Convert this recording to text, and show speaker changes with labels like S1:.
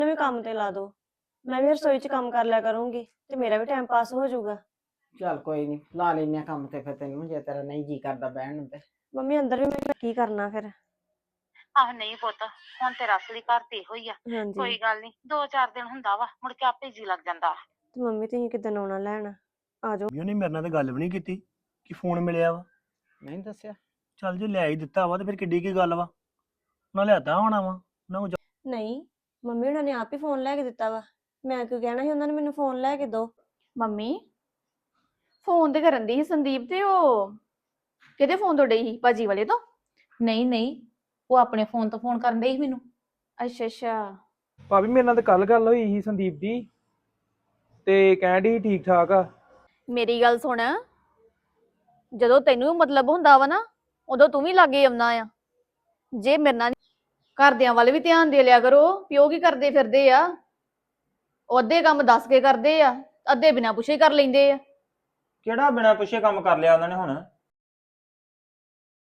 S1: ਵੀ ਕੰਮ ਤੇ ਲਾ ਦੋ, ਮੈਂ ਵੀ ਰਸੋਈ 'ਚ ਕੰਮ ਕਰ ਲਿਆ ਕਰੂੰਗੀ ਤੇ ਮੇਰਾ ਵੀ ਟਾਈਮ ਪਾਸ ਹੋ ਜਾਊਗਾ।
S2: ਚੱਲ ਕੋਈ ਨਹੀਂ, ਲਾ ਲੈਨੇ ਆ ਕੰਮ ਤੇ ਫਿਰ ਤੈਨੂੰ, ਜੇ ਤੇਰਾ ਨਹੀਂ ਜੀ ਕਰਦਾ ਬਹਿਣ ਨੂੰ ਤੇ।
S1: ਮੰਮੀ ਅੰਦਰ ਵੀ ਮੈਂ ਕੀ ਕਰਨਾ ਫਿਰ।
S3: ਆਹ ਨਹੀਂ ਪੁੱਤ, ਹੁਣ ਤੇਰਾ ਅਸਲੀ ਘਰ ਤੇ ਇਹੋ ਹੀ ਆ।
S1: ਹਾਂਜੀ
S3: ਕੋਈ ਗੱਲ ਨਹੀਂ, 2-4 ਦਿਨ ਹੁੰਦਾ ਵਾ, ਮੁੜ ਕੇ ਆਪੇ ਜੀ ਲੱਗ ਜਾਂਦਾ।
S1: ਤੇ ਮੰਮੀ ਤੁਸੀਂ ਕਿੱਦਣ ਆਉਣਾ ਲੈਣ? ਆ ਜਾਓ।
S4: ਉਹਨੇ ਮੇਰੇ ਨਾਲ ਤਾਂ ਗੱਲ ਵੀ ਨਹੀਂ ਕੀਤੀ ਕਿ ਫੋਨ ਮਿਲਿਆ ਵਾ।
S2: ਨਹੀਂ ਦੱਸਿਆ?
S4: ਚੱਲ ਜੇ ਲੈ ਹੀ ਦਿੱਤਾ ਵਾ ਤੇ ਫਿਰ ਕਿੱਡੀ ਕੀ ਗੱਲ ਵਾ, ਉਹਨਾਂ ਲਿਆਦਾ ਹੋਣਾ ਵਾ ਉਹਨਾਂ ਨੂੰ।
S1: ਨਹੀਂ, ਮੰਮੀ ਉਹਨਾਂ ਨੇ ਆਪ ਹੀ ਫੋਨ ਲੈ ਕੇ ਦਿੱਤਾ ਵਾ, ਮੈਂ ਕਿਉਂ ਕਹਿਣਾ ਸੀ ਉਹਨਾਂ ਨੇ ਮੈਨੂੰ ਫੋਨ ਲੈ ਕੇ ਦੋ।
S5: ਮੰਮੀ ਫੋਨ ਤੇ ਕਰਨ ਦੀ ਸੀ ਸੰਦੀਪ, ਤੇ ਉਹ ਕਿਹਦੇ ਫੋਨ ਤੋਂ ਡਈ ਸੀ? ਭਾਜੀ ਵਾਲੇ ਤੋਂ?
S6: ਨਹੀਂ ਨਹੀਂ, ਉਹ ਆਪਣੇ ਫੋਨ ਤੋਂ ਫੋਨ ਕਰਨ ਡਈ ਸੀ ਮੈਨੂੰ।
S5: ਅੱਛਾ ਅੱਛਾ।
S7: ਭਾਬੀ ਮੇਰੇ ਨਾਲ ਤਾਂ ਕੱਲ ਗੱਲ ਹੋਈ ਸੀ ਸੰਦੀਪ ਦੀ, ਤੇ ਕਹਿਣ ਡਈ ਸੀ ਠੀਕ ਠਾਕ ਆ।
S5: ਮੇਰੀ ਗੱਲ ਸੁਣ, ਜਦੋਂ ਤੈਨੂੰ ਮਤਲਬ ਹੁੰਦਾ ਵਾ ਨਾ, ਉਦੋਂ ਤੂੰ ਵੀ ਲਾਗੇ ਆਉਣਾ ਆ। ਜੇ ਮੇਰੇ ਨਾਲ ਘਰਦਿਆਂ ਵੱਲ ਵੀ ਧਿਆਨ ਦੇ ਲਿਆ ਕਰੋ, ਪਿਓ ਕੀ ਕਰਦੇ ਫਿਰਦੇ ਆ। ਉਹ ਅੱਧੇ ਕੰਮ ਦੱਸ ਕੇ ਕਰਦੇ ਆ, ਅੱਧੇ ਬਿਨਾਂ ਪੁੱਛੇ ਕਰ ਲੈਂਦੇ ਆ।
S8: ਕਿਹੜਾ ਬਿਨਾਂ ਪੁੱਛੇ ਕੰਮ ਕਰ ਲਿਆ ਉਹਨਾਂ ਨੇ ਹੁਣ?